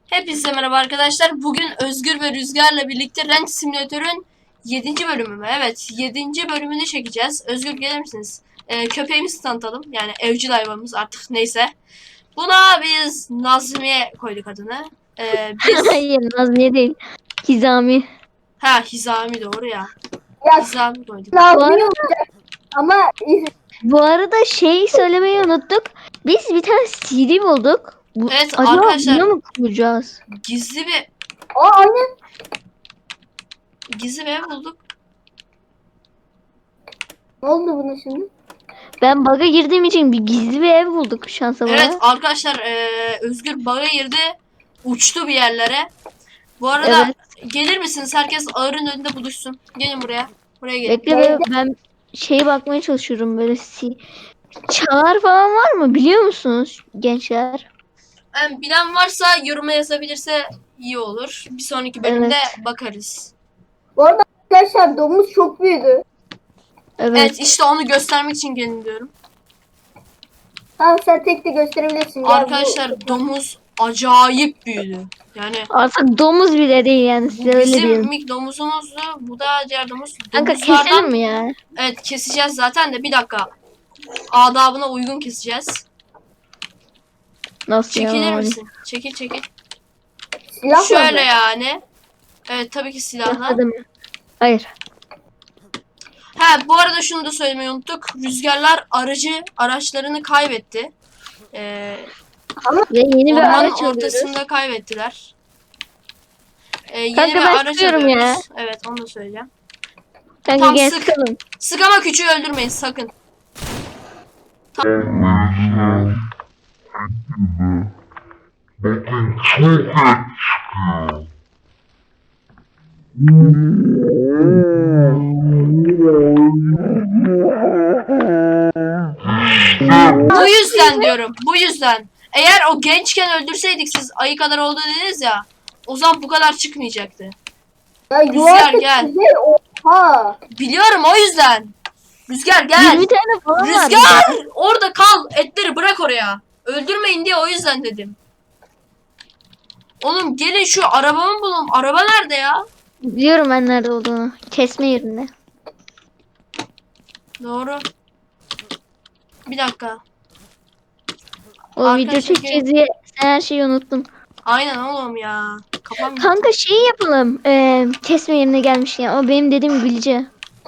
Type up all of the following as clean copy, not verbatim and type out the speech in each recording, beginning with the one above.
Hepinize merhaba arkadaşlar. Bugün Özgür ve Rüzgar'la birlikte Ranch Simulator'ın 7. bölümü mü? Evet, 7. bölümünü çekeceğiz. Özgür gelir misiniz? Köpeğimizi tanıtalım. Yani evcil hayvanımız artık neyse. Buna biz Nazmiye koyduk adını. Biz... Hayır, Nazmiye değil. Hizami. Hizami doğru ya. Ya Hizami koyduk. Bu Nazmi arada, olacak ama bu arada şey söylemeyi unuttuk. Biz bir tane CD bulduk. Evet Acaba arkadaşlar, bunu mu kuracağız? gizli bir aynen. ev bulduk. Ne oldu buna şimdi? Ben bug'a girdiğim için bir gizli bir ev bulduk şansa bana. Evet arkadaşlar, Özgür bug'a girdi. Uçtu bir yerlere. Bu arada gelir misiniz? Herkes ağırın önünde buluşsun. Gelin buraya. Buraya gelin. Bekle ben şeye bakmaya çalışıyorum böyle çağrı falan var mı biliyor musunuz gençler? Yani bilen varsa yoruma yazabilirse iyi olur. Bir sonraki bölümde bakarız. Bu arada arkadaşlar domuz çok büyüdü. Evet işte onu göstermek için gelin diyorum. Tamam sen tek de gösterebilirsin. Gel, Arkadaşlar domuz acayip büyüdü. Yani Artık domuz bile değil yani size öyle bizim diyelim. ilk domuzumuzdu. Bu da diğer domuz. Kanka Domuzlardan- keselim mi ya? Evet keseceğiz zaten de bir dakika. Adabına uygun keseceğiz. Nasıl Çekilir ya? misin? Çekil. Silahla Şöyle mı? yani. Evet tabii ki silahla. Yasadı mı? Hayır. Bu arada şunu da söylemeyi unuttuk. Rüzgarlar araçlarını kaybetti. Ve yeni bir Ormanın araç alıyoruz. ortasında kaybettiler. Yeni Kanka bir ben araç sıkıyorum alıyoruz. ya. Evet onu da söyleyeceğim. Kanka Tam gel sık. sıkalım. Sık ama küçüğü öldürmeyin sakın. Bakın çok et çıkıyor. Bu yüzden diyorum. Bu yüzden. Eğer o gençken öldürseydik siz ayı kadar oldu dediniz ya. O zaman bu kadar çıkmayacaktı. Ya Rüzgar, yuvarlak gel. güzel. Oha. Biliyorum o yüzden. Rüzgar gel. 20 tane falan var. Rüzgar orada kal. Etleri bırak oraya. Öldürmeyin diye o yüzden dedim. Oğlum gelin şu arabamı bulun. Araba nerede ya? Biliyorum ben nerede olduğunu. Kesme yerinde. Doğru. Bir dakika. O Arkadaşlar video çekeceğiz diye sen her şeyi unuttun. Aynen oğlum ya. Kafam gitti. Kanka şeyi yapalım. Kesme yerine gelmiş ya. O benim dediğim bilgi.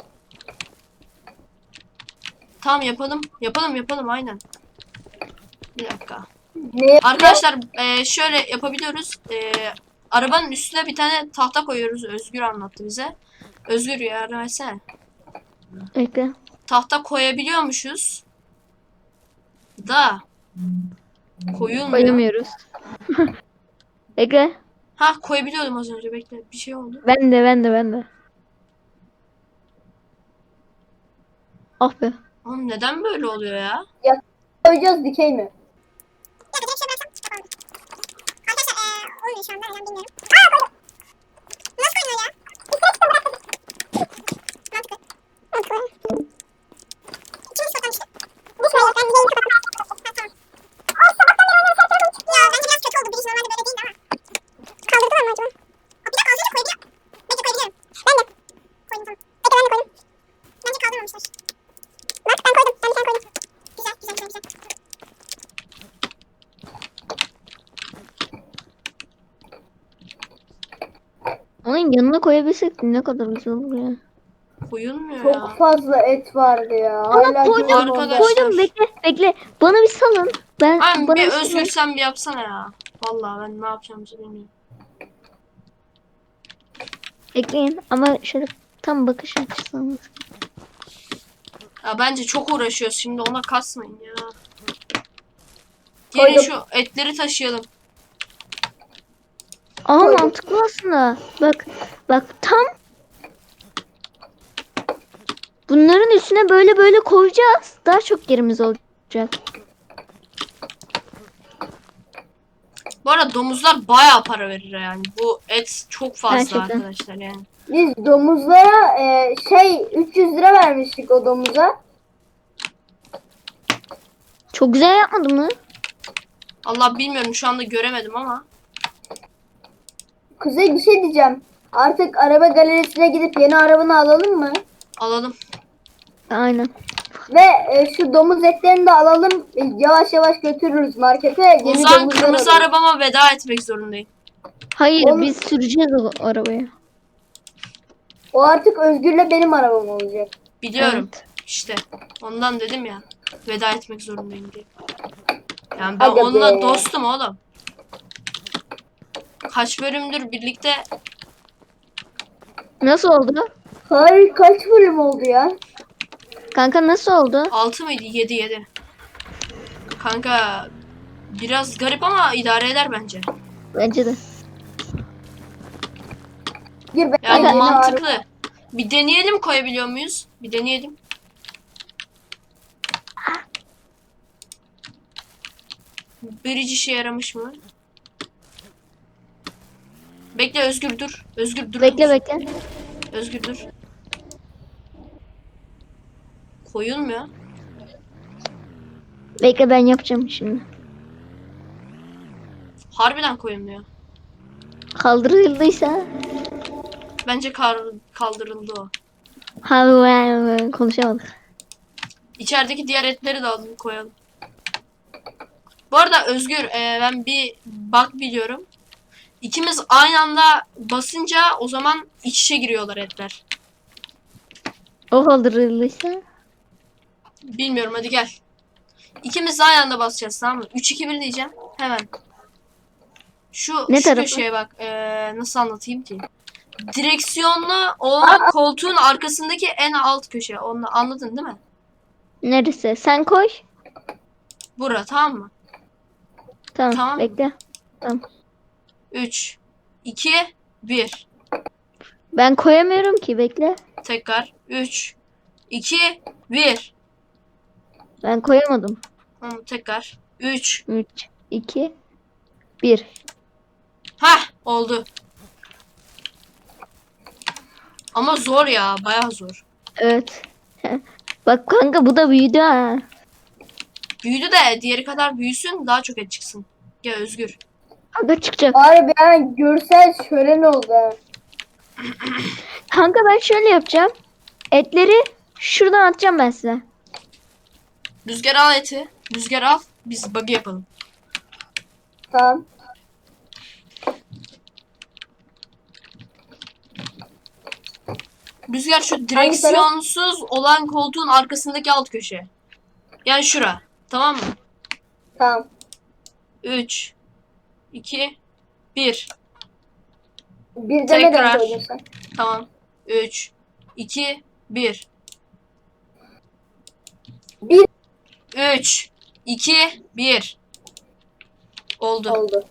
Tamam yapalım. Yapalım aynen. Bir dakika. Ne? Arkadaşlar şöyle yapabiliyoruz. Arabanın üstüne bir tane tahta koyuyoruz. Özgür anlattı bize. Özgür yardım etsene. Bekle. Tahta koyabiliyormuşuz. Da koyulmuyor. Koyamıyoruz. Bekle. Koyabiliyordum az önce. Bekle. Bir şey oldu. Ben de. Ah be. Oğlum neden böyle oluyor ya? Koyacağız dikey mi? Onun yanına koyabilsek ne kadar güzel olur ya. Koyulmuyor Çok ya. fazla et vardı ya. Ama Hala koydum, canım Arkadaşlar. koydum. Bekle. Bana bir salın. Abi Bana bir salın. Özgür sen bir yapsana ya. Vallahi ben ne yapacağımızı bilmiyorum. Bekleyin ama şöyle tam bakış açısını. Ya bence çok uğraşıyoruz şimdi ona kasmayın ya. Gelin Koydum. şu etleri taşıyalım. Aa Koydum. mantıklı aslında. Bak tam bunların üstüne böyle koyacağız. Daha çok yerimiz olacak. Bu arada domuzlar bayağı para verir yani. Bu et çok fazla Gerçekten. arkadaşlar yani. Biz domuzlara 300 lira vermiştik o domuza. Çok güzel yapmadın mı? Allah bilmiyorum şu anda göremedim ama. Kuzey bir şey diyeceğim. Artık araba galerisine gidip yeni arabanı alalım mı? Alalım. Aynen. Ve şu domuz etlerini de alalım. Yavaş yavaş götürürüz markete. O Yeni zaman domuzlar kırmızı alalım. arabama veda etmek zorundayım. Hayır Oğlum- biz süreceğiz o arabayı. O artık Özgür'le benim arabam olacak. Biliyorum. Evet. İşte. Ondan dedim ya. Veda etmek zorundayım diye. Yani ben Aga onunla be. dostum oğlum. Kaç bölümdür birlikte. Nasıl oldu? Hayır kaç bölüm oldu ya? Kanka nasıl oldu? 6 mıydı? 7. Kanka biraz garip ama idare eder bence. Bence de. Gir ben Yani yeni mantıklı. Bir deneyelim, koyabiliyor muyuz? Bir deneyelim. Birici işe yaramış mı? Bekle Özgür dur. Özgür dur. Bekle bekle. Özgür dur. Koyulmuyor. Bekle ben yapacağım şimdi. Harbiden koyulmuyor. Kaldırıldıysa. Bence kaldırıldı o. Konuşamadık. İçerideki diğer etleri de alalım koyalım. Bu arada Özgür ben bir bug biliyorum. İkimiz aynı anda basınca o zaman iç içe giriyorlar etler. O kaldırıldıysa. Bilmiyorum, hadi gel. İkimiz de aynı anda basacağız, tamam mı? 3 2 1 diyeceğim. Hemen. Şu tarafa? köşeye bak. Nasıl anlatayım ki? Direksiyonlu olan koltuğun arkasındaki en alt köşe. Onu anladın değil mi? Neresi? Sen koy. Bura, tamam mı? Tamam, Tamam. bekle. Tamam. 3 2 1. Ben koyamıyorum ki bekle. Tekrar 3 2 1. Ben koyamadım. Tamam, tekrar 3. 3, 2, 1. Hah, oldu. Ama zor ya, bayağı zor. Evet. Bak kanka bu da büyüdü ha. Büyüdü de diğeri kadar büyüsün, daha çok et çıksın. Ya Özgür. Kanka çıkacak. Harbi yani görsel şölen oldu ha. Kanka ben şöyle yapacağım. Etleri şuradan atacağım ben size. Rüzgar al eti. Rüzgar al. Biz buggy yapalım. Tamam. Rüzgar şu direksiyonsuz olan koltuğun arkasındaki alt köşe. Yani şura. Tamam mı? Tamam. 3 2 1. Bir Tekrar. demeden koydun sen. Tamam. 3 2 1. Bir 3 2 1. Oldu. oldu.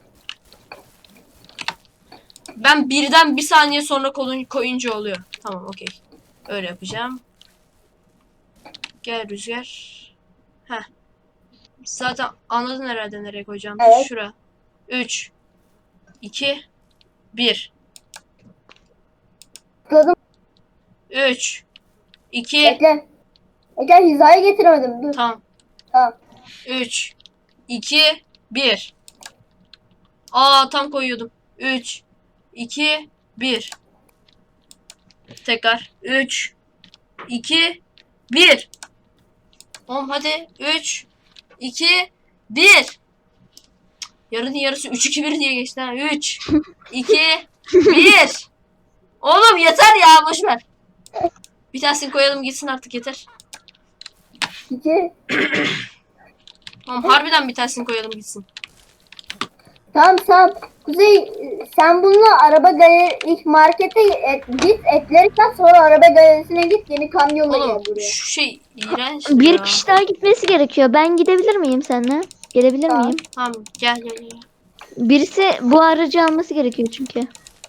Ben birden bir saniye sonra koyunca oluyor. Tamam, okey. Öyle yapacağım. Gel Rüzgar. Heh. Zaten anladın herhalde nereye koyacağım. Evet. Şura. 3 2 1. Tıkladım. 3 2 Bekle. Bekle hizaya getiremedim. Dur. Tamam. Tamam. 3 2 1. Aa, tam koyuyordum. 3 2 1. Tekrar 3 2 1. Oğlum hadi 3 2 1. Yarının yarısı 3 2 1 diye geçti ha. 3 2 1. Oğlum yeter ya, boş ver. Bir tanesini koyalım gitsin artık, yeter. İki. Oğlum harbiden bir tanesini koyalım gitsin. Tamam tamam. Kuzey sen bununla araba galeri ilk markete git etleri sat sonra araba galerisine git yeni kamyonla Oğlum gel buraya. şu şey iğrenç Bir ya. kişi daha gitmesi gerekiyor. Ben gidebilir miyim seninle? Gelebilir Tamam. miyim? Tamam, gel. Birisi bu aracı alması gerekiyor çünkü.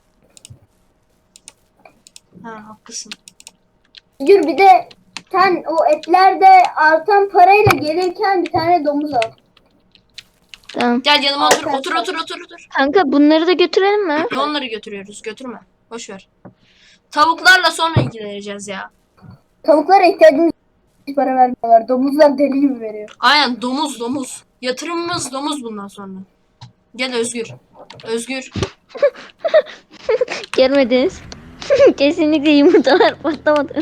Ha, haklısın. Yürü bir de sen o etlerde artan parayla gelirken bir tane domuz al. Tamam. Gel yanıma otur. Arkadaşlar. Otur. Kanka bunları da götürelim mi? Onları götürüyoruz. Götürme. Boş ver. Tavuklarla sonra ilgileneceğiz ya. Tavuklara ihtiyacımız hiç para vermiyorlar. Domuzlar deli gibi veriyor. Aynen, domuz. Yatırımımız domuz bundan sonra. Gel Özgür. Görmediniz. Kesinlikle yumurtalar patlamadı.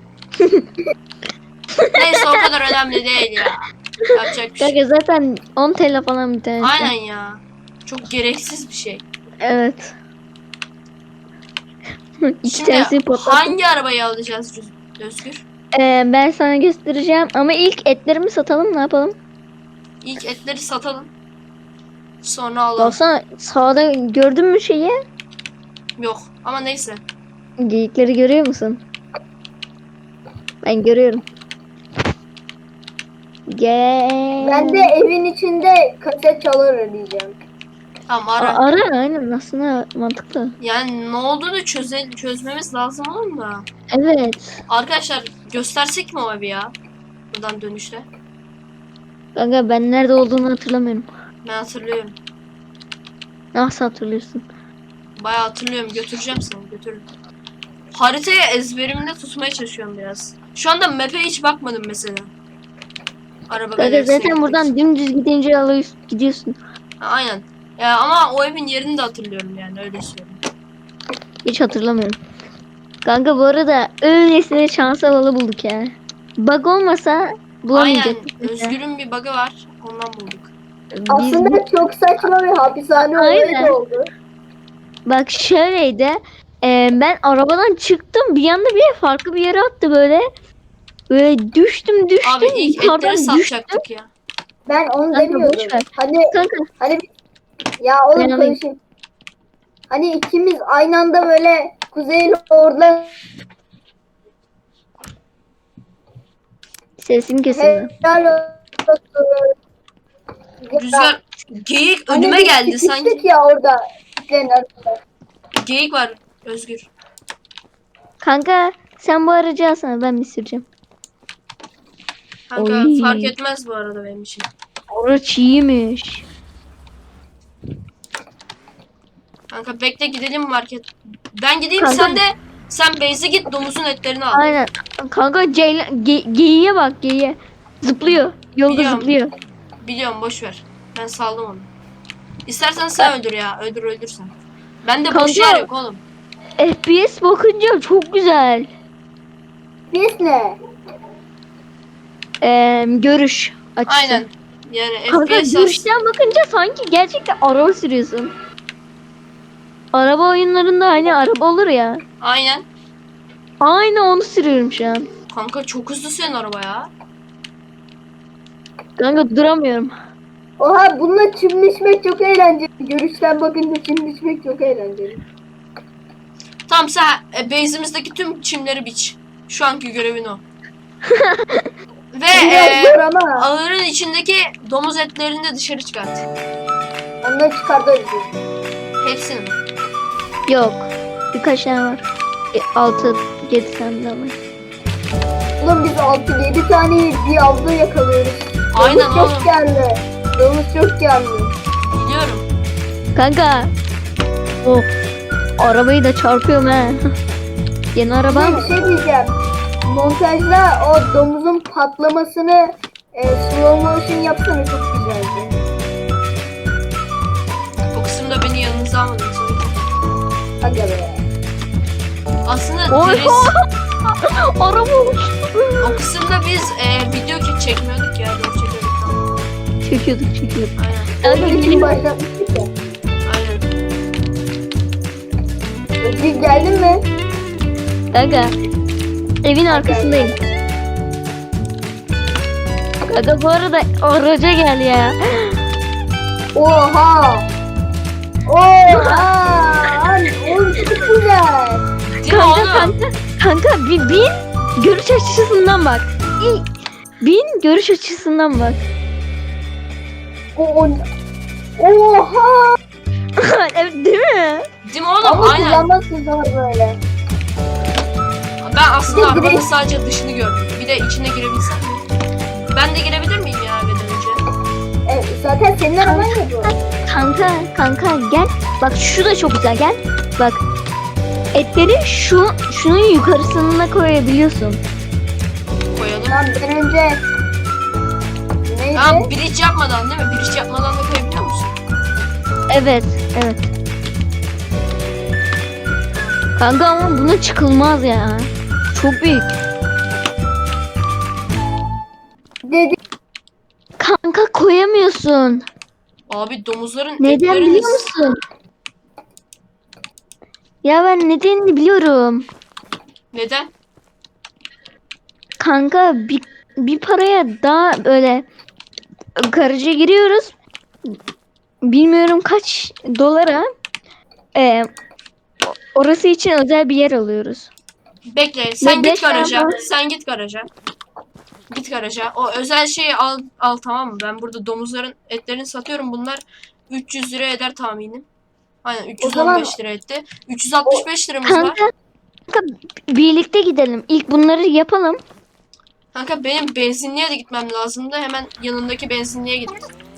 Neyse o kadar önemli değil ya. Yapacak bir şey. Kanka zaten 10 TL falan bir tanesi. Aynen ya. Çok gereksiz bir şey. Evet. İki Şimdi tanesi patladı. hangi arabayı alacağız Özgür? Ben sana göstereceğim ama ilk etlerimi satalım, ne yapalım? İlk etleri satalım. Sonra alalım. Baksana sağda gördün mü şeyi? Yok ama neyse. Geyikleri görüyor musun? Ben görüyorum. Ben de evin içinde kaset çalar arayacağım. Tamam ara. Ara aynen aslında mantıklı. Yani ne olduğunu çözmemiz lazım oğlum da. Evet. Arkadaşlar göstersek mi o evi ya? Buradan dönüşte. Kanka ben nerede olduğunu hatırlamıyorum. Ben hatırlıyorum. Nasıl hatırlıyorsun? Bayağı hatırlıyorum. Götüreceğim seni. Götürürüm. Haritayı ezberimde tutmaya çalışıyorum biraz. Şu anda map'e hiç bakmadım mesela. Araba Kanka galerisine zaten gitmek buradan için. dümdüz gidince alıyorsun, gidiyorsun. Ha, aynen. Ya, ama o evin yerini de hatırlıyorum yani öyle söyleyeyim. Hiç hatırlamıyorum. Kanka bu arada öylesine şans havalı bulduk ya. Bug olmasa Aynen. bulamayacaktık. Özgür'ün bir bug'ı var. Ondan bulduk. Aslında çok saçma bir hapishane olayı Aynen. da oldu. Bak şöyleydi. Ben arabadan çıktım. Bir anda bir farklı bir yere attı böyle. Böyle düştüm. Abi ilk yukarıdan etleri düştüm. satacaktık ya. Ben onu Kanka, demiyordum. boş ver. Hani Kanka ya oğlum Ben alayım. konuşayım. Hani ikimiz aynı anda böyle Kuzey'le orada sesin kesildi. helal olsun. Rüzgar geyik Hani önüme biz geldi sıkıştık sanki. ya orada. İplerin arasında. Geyik var Özgür. Kanka sen bu aracı alsana, ben mi süreceğim? Kanka Oy. fark etmez bu arada benim için. Araç iyiymiş. Kanka bekle gidelim market. Ben gideyim Kanka- sen base'e git domuzun etlerini al. Aynen. Kanka geyiğe bak, geyiğe. Zıplıyor. Yolda Biliyorum. zıplıyor. Biliyorum boş ver. Ben saldım onu. İstersen sen öldür ya. Öldürsen. Ben de boş Kanka- yer yok oğlum. FPS bakınca çok güzel. Biz ne? Görüş açısı. Aynen. Yani Kanka FPS görüşten bakınca sanki gerçekten araba sürüyorsun. Araba oyunlarında hani araba olur ya. Aynen. Aynı onu sürüyorum şu an. Kanka çok hızlı senin araba ya. Kanka duramıyorum. Oha bununla çimleşmek çok eğlenceli. Görüşten bakınca çimleşmek çok eğlenceli. Tamam sen base'imizdeki tüm çimleri biç. Şu anki görevin o. Ve Biraz zor ama ağırın içindeki domuz etlerini de dışarı çıkart. onları çıkartırız. Hepsini. Yok. Birkaç tane var. 6-7 tane daha var. Oğlum biz 6-7 tane diyavda yakalıyoruz. Aynen Domuz oğlum. çok geldi. Domuz çok geldi. Biliyorum. Kanka. Of. Arabayı da çarpıyorum ha. Yeni araba mı? Bir şey diyeceğim. Montajda o domuzun patlamasını slow motion yapsana, çok güzeldi. O kısımda beni yanınıza almadınız. o yüzden. Aga be. Aslında Oy. deriz. Araba olmuş. O kısımda biz video çekmiyorduk ya. Doğru çekiyorduk. Tamam. Çekiyorduk. Aynen. Kanka Özgür gelin. başlatmıştık ya. Aynen. Özgür geldin mi? Kanka. Evin arkasındayım. Kanka bu arada araca gel ya. Oha! Oha! Oğlum çok güzel. Değil mi Kanka oğlum? kanka bir bin görüş açısından bak. Bin görüş açısından bak. Oha! Evet değil mi? Değil mi oğlum? Ama Aynen. kullanmazsın zaman böyle. Ben aslında Bir de arabanın direkt- sadece dışını gördüm. Bir de içine girebilsem mi? Ben de girebilir miyim ya evden önce? Zaten senin araban ya bu. Kanka gel. Bak şu da çok güzel, gel. Bak. Etleri şunun yukarısına koyabiliyorsun. Koyalım. Tamam ben önce... Neydi? Tamam bridge yapmadan değil mi? Bridge yapmadan da koyabiliyor musun? Evet. Kanka ama buna çıkılmaz ya. Çok büyük. Dedi Kanka koyamıyorsun. Abi domuzların Neden etlerini... biliyor musun? Ya ben nedenini biliyorum. Neden? Kanka bir paraya daha böyle garaja giriyoruz. Bilmiyorum kaç dolara. Ee, orası için özel bir yer alıyoruz. Bekle sen Ve git beş tane garaja. var. Sen git garaja. Git garaja. O özel şeyi al tamam mı? Ben burada domuzların etlerini satıyorum. Bunlar 300 lira eder tahminim. Aynen o zaman 315 lira etti. 365 liramız var. Kanka birlikte gidelim. İlk bunları yapalım. Kanka benim benzinliğe de gitmem lazımdı. Hemen yanındaki benzinliğe gittim.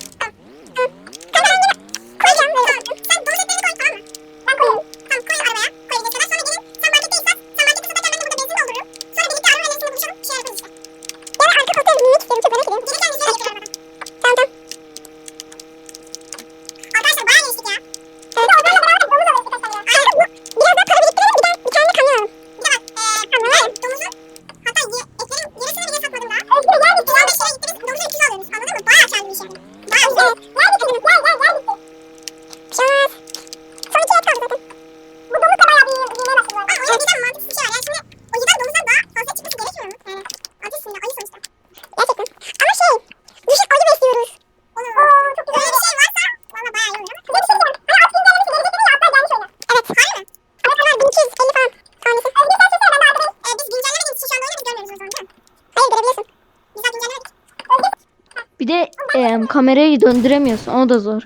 Bir de kamerayı döndüremiyorsun. O da zor.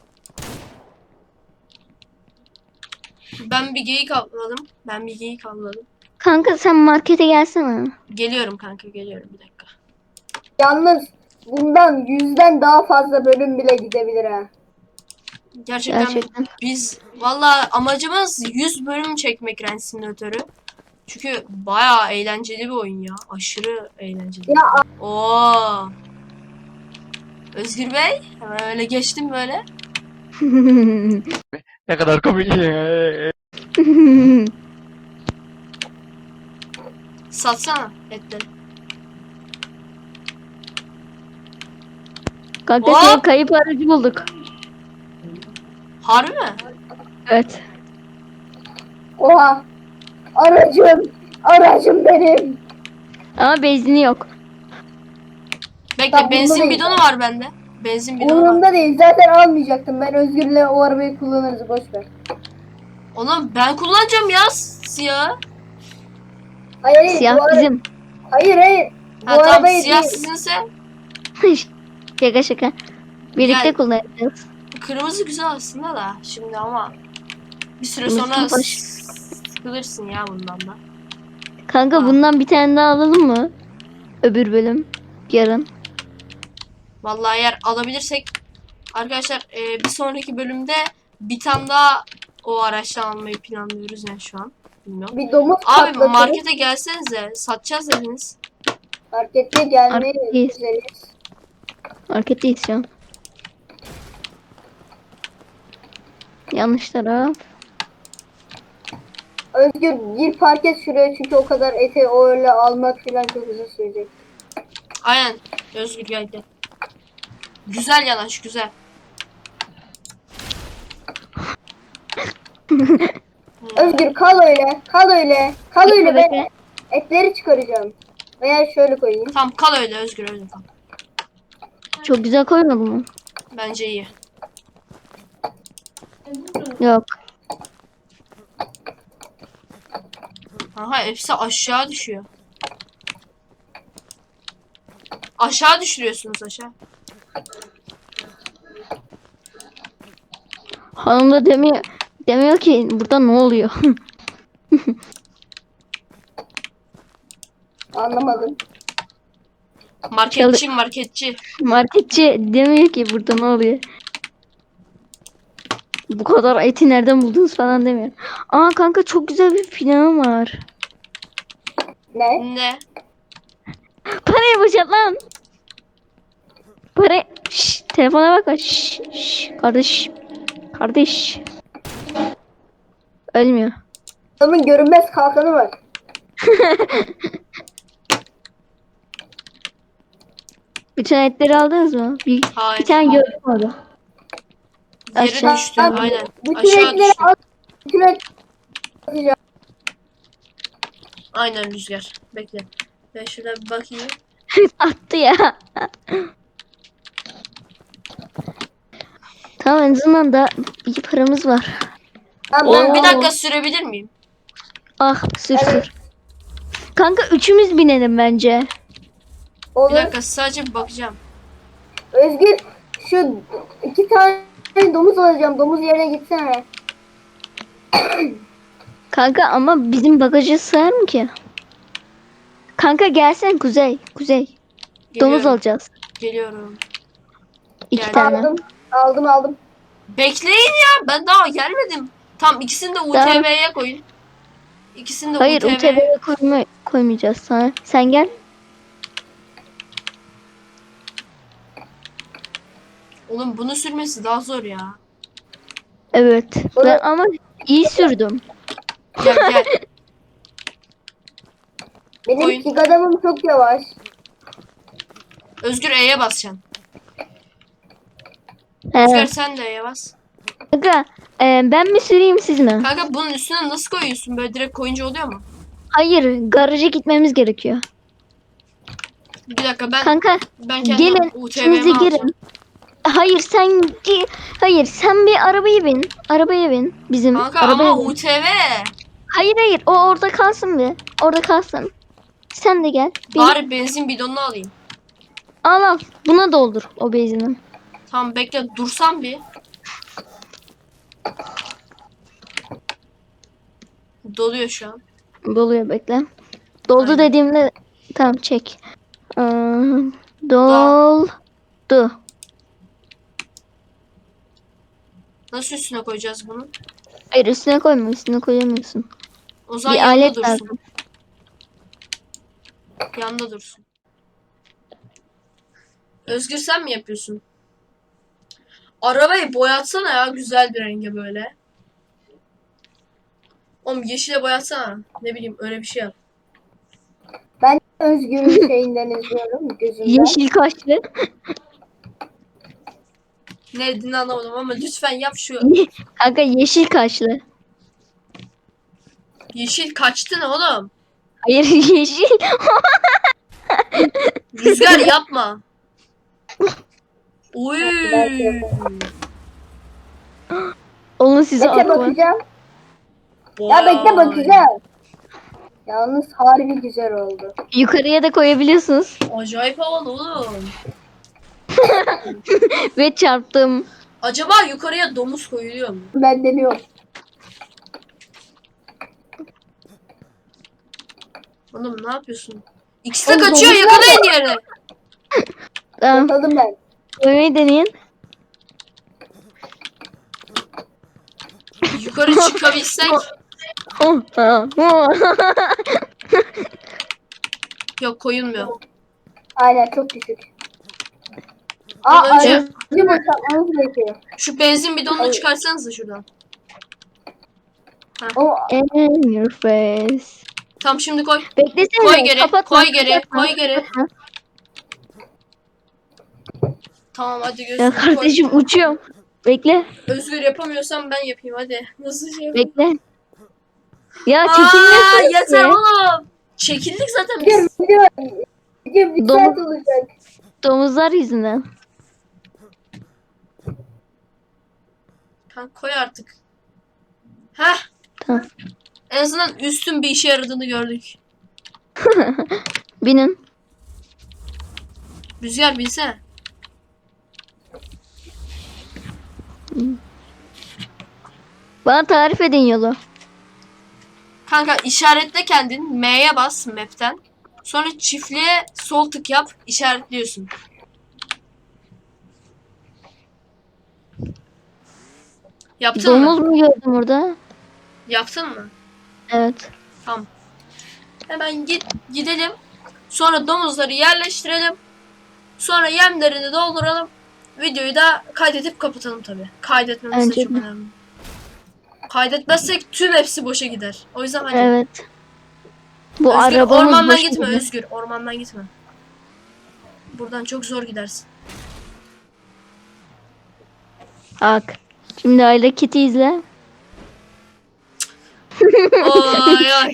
Ben bir geyik avladım. Kanka sen markete gelsene. Geliyorum kanka geliyorum bir dakika. yalnız bundan 100'den daha fazla bölüm bile gidebilir ha. Gerçekten. Biz valla amacımız 100 bölüm çekmek Ranch Simulator'ı. Çünkü bayağı eğlenceli bir oyun ya. Aşırı eğlenceli. Ya Oo. Özgür Bey, hemen öyle geçtim böyle. Ne kadar komik. Satsana etleri. Kanka Hop! senin kayıp aracı bulduk. Harbi mi? Evet. oha. Aracım benim. Ama benzini yok. Bekle Tamam, benzin bunda bidonu değil. var bende. Benzin bidonu var. Umurumda değil. Zaten almayacaktım. Ben Özgür'le o arabayı kullanırız. Boş ver. Oğlum ben kullanacağım ya siyah. Hayır, Siyah bu ara- bizim. Hayır. Bu Ha tamam arabayı siyah değil. sizinse Şaka şaka. Birlikte Yani- kullanacağız. kırmızı güzel aslında da şimdi ama bir süre Kırmızı sonra hoş. sıkılırsın ya bundan da. Kanka Ha. bundan bir tane daha alalım mı? Öbür bölüm. Yarın. Vallahi eğer alabilirsek arkadaşlar bir sonraki bölümde bir tane daha o araçtan almayı planlıyoruz yani şu an. Bilmiyorum. Bir domuz Abi patlatırız. markete gelsenize satacağız dediniz. Markete gelmeyi Marketteyiz. üzeriz. Marketteyiz şu an. Yanlış taraf. Özgür gir park et şuraya çünkü o kadar eti öyle almak falan çok uzun sürecek. Aynen. Özgür geldi. Güzel yanaş güzel. Özgür kal öyle. Kal öyle. Kal öyle. Ben Bekle. etleri çıkaracağım. Veya şöyle koyayım. Tamam kal öyle Özgür öyle kal. Çok güzel koymadı mı? Bence iyi. Yok. Aha hepsi aşağı düşüyor. Aşağı düşürüyorsunuz aşağı. Hanım da demiyor ki burada ne oluyor? Anlamadım. Marketçi. Marketçi demiyor ki burada ne oluyor? Bu kadar eti nereden buldunuz falan demiyor. Aa kanka çok güzel bir planım var. Ne? Ne? Parayı boşalt lan. Para... Şşş, telefona bak. Şşş, kardeş. Kardeş. Ölmüyor. Adamın görünmez kalkanı var. Bütün etleri aldınız mı? Bir Hayır. tane gördüm orada. Yere Aşağı- düştü. Aynen. Bütün Aşağı etleri düştü. al. Bütün etleri Aynen Rüzgar. Bekle. Ben şurada bir bakayım. Attı ya. Tamam, en azından da iyi paramız var. Tamam, Oğlum bir ben- dakika sürebilir miyim? Ah, sür Evet. sür. Kanka üçümüz binelim bence. Bir Olur. dakika sadece bir bakacağım. Özgür şu 2 tane domuz alacağım. Domuz yerine gitsene. Kanka ama bizim bagajı sığar mı ki? Kanka gelsen Kuzey. Kuzey. Domuz Geliyorum. alacağız. Geliyorum. 2 Geldim. tane. Aldım. Bekleyin ya. Ben daha gelmedim. Tam ikisini de UTV'ye koyun. İkisini de Hayır, UTV'ye. UTV'ye koymayacağız sana. Sen gel. Oğlum bunu sürmesi daha zor ya. Evet. Oğlum- Ben ama iyi sürdüm. Gel gel. Benim Koyun. pig adamım çok yavaş. Özgür E'ye basacaksın. He. Özgür sen de E'ye bas. Kanka ben mi süreyim siz mi? Kanka bunun üstüne nasıl koyuyorsun? Böyle direkt koyunca oluyor mu? Hayır, garaja gitmemiz gerekiyor. Bir dakika ben Kanka kendim gelin, UTV'mi ikiniz de alacağım. girin. Hayır, sen bir arabaya bin. Arabaya bin. Bizim Kanka arabaya ama bin. UTV. Hayır, o orada kalsın bir. Orada kalsın. Sen de gel. Bin. Bari benzin bidonunu alayım. Al. Buna doldur o benzinin. Tamam bekle dursam bir. Doluyor şu an. Doluyor, bekle. Doldu Aynen. dediğimde tamam çek. Doldu. Nasıl üstüne koyacağız bunu? Hayır, üstüne koyma, üstüne koyamıyorsun. O zaman Bir yanında alet dursun. lazım. Yanında dursun. Özgür sen mi yapıyorsun? Arabayı boyatsana ya güzel bir renge böyle. Oğlum yeşile boyatsana. Ne bileyim öyle bir şey yap. Ben Özgür'ün şeyinden izliyorum gözümden. Yeşil kaşlı. Ne dediğini anlamadım ama lütfen yap şu. Kanka yeşil kaşlı. Yeşil kaçtı ne oğlum? Hayır, yeşil. Rüzgar yapma. Oy. Onu size Bekle atma. bakacağım. Ya bekle Vay. bakacağım. Yalnız harbi güzel oldu. Yukarıya da koyabiliyorsunuz. Acayip havalı oğlum. Ve çarptım. Acaba yukarıya domuz koyuluyor mu? Ben deniyorum. Oğlum ne yapıyorsun? İkisi de Oğlum, kaçıyor domuz yakalayın diğerini. Tamam. Yakaladım ben. Koymayı deneyin. Yukarı çıkabilsek. Yok koyulmuyor. Aynen çok düşük. Az önce- Aracı boşaltmamız gerekiyor. Şu benzin bidonunu Evet. çıkarsanıza şuradan. O In your face. Tam şimdi koy. Beklesene. Koy geri, Kapatma, koy geri, kapatma, koy geri. kapatma. Tamam hadi Ya gözünü koy. kardeşim uçuyorum. Bekle. Özgür yapamıyorsam ben yapayım hadi. Nasıl şey yapayım? Bekle. Ya Aa, çekilmiyorsun. yeter oğlum. Çekildik zaten biz. video bir Domuz- saat olacak. Domuzlar yüzünden. Kanka koy artık. Heh. Tamam. En azından üstün bir işe yaradığını gördük. Binin. Rüzgar binsene. Bana tarif edin yolu. Kanka işaretle kendin. M'ye bas map'ten. Sonra çiftliğe sol tık yap. İşaretliyorsun. Yaptın Domuz mı? mu gördüm orada? Yaptın mı? Evet. Tamam. Hemen gidelim. Sonra domuzları yerleştirelim. Sonra yemlerini dolduralım. Videoyu da kaydedip kapatalım tabii. Kaydetmemiz de Bence çok de. önemli. Kaydetmezsek tüm hepsi boşa gider. O yüzden hadi. Evet. Bu Özgür arabamız ormandan boş gitme gidiyor. Özgür. Ormandan gitme. Buradan çok zor gidersin. Bak. Şimdi hareketi izle. Oy oy.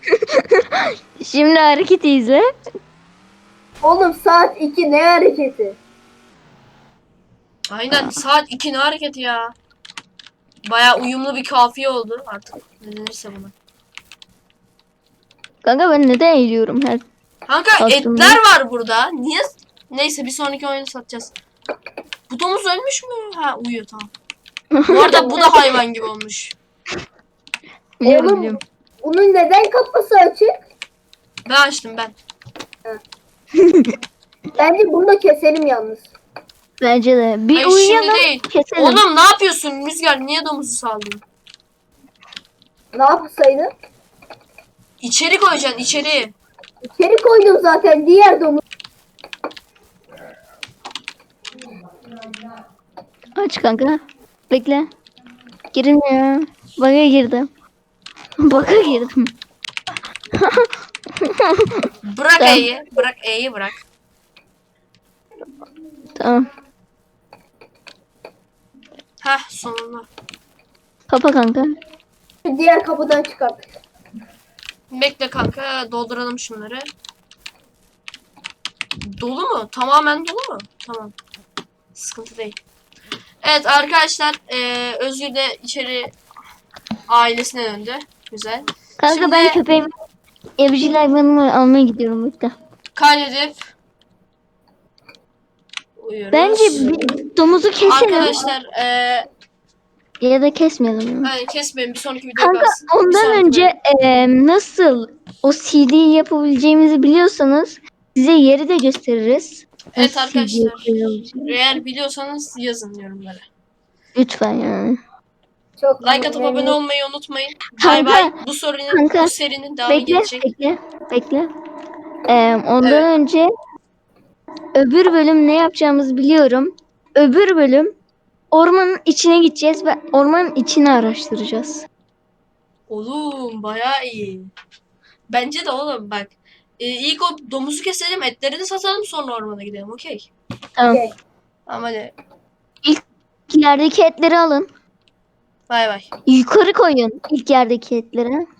Şimdi hareketi izle. Oğlum saat 2 ne hareketi? Aynen saat 2 ne hareketi ya. Baya uyumlu bir kafiye oldu artık. Ne denirse buna. Kanka ben neden eğiliyorum her? Kanka Aslında- etler var burada. Niye? Neyse bir sonraki oyunu satacağız. Bu domuz ölmüş mü? Ha uyuyor tamam. Bu arada bu da hayvan gibi olmuş. Biliyorum Oğlum, biliyorum. bunun neden kapısı açık? Ben açtım ben. Bence bunu da keselim yalnız. Bence de. Bir Hayır, şimdi uyuyalım. değil. Keselim. Oğlum ne yapıyorsun Rüzgar? Niye domuzu saldın? Ne yapsaydı? İçeri koyacaksın içeri. İçeri koydum zaten diğer domuz. Aç kanka. Bekle. Girmiyor. Bug'a girdim. Bug'a girdim. Bırak Tamam. E'yi. Bırak E'yi bırak. Tamam. Heh sonunda. Kapa kanka. Diğer kapıdan çıkarttık. Bekle kanka dolduralım şunları. Dolu mu? Tamamen dolu mu? Tamam. Sıkıntı değil. Evet arkadaşlar Özgür de içeri ailesine döndü. Güzel. Kanka Şimdi- ben köpeğimi evcil hayvanımı almaya gidiyorum burada. Kaydedip uyuyoruz. Bence bir domuzu keselim. Arkadaşlar Ya da kesmeyelim. yani kesmeyin bir sonraki videoya Kanka kalsın. Bir ondan sonraki önce nasıl o CD'yi yapabileceğimizi biliyorsanız size yeri de gösteririz. Evet Nasıl CD arkadaşlar. yapabileceğimizi. Eğer biliyorsanız yazın yorumlara. Lütfen yani. Çok Like atıp memnun. abone olmayı unutmayın. Kanka, Bay bay. Bu sorunun kanka, bu serinin devamı Bekle, gelecek. bekle. Ondan Evet. önce öbür bölüm ne yapacağımızı biliyorum. Öbür bölüm ormanın içine gideceğiz ve ormanın içini araştıracağız. Oğlum bayağı iyi. Bence de oğlum bak. İlk o domuzu keselim, etleri de satalım sonra ormana gidelim. Okey. Tamam. Okey. Tamam hadi. İlk yerdeki etleri alın. Bay bay. Yukarı koyun ilk yerdeki etleri.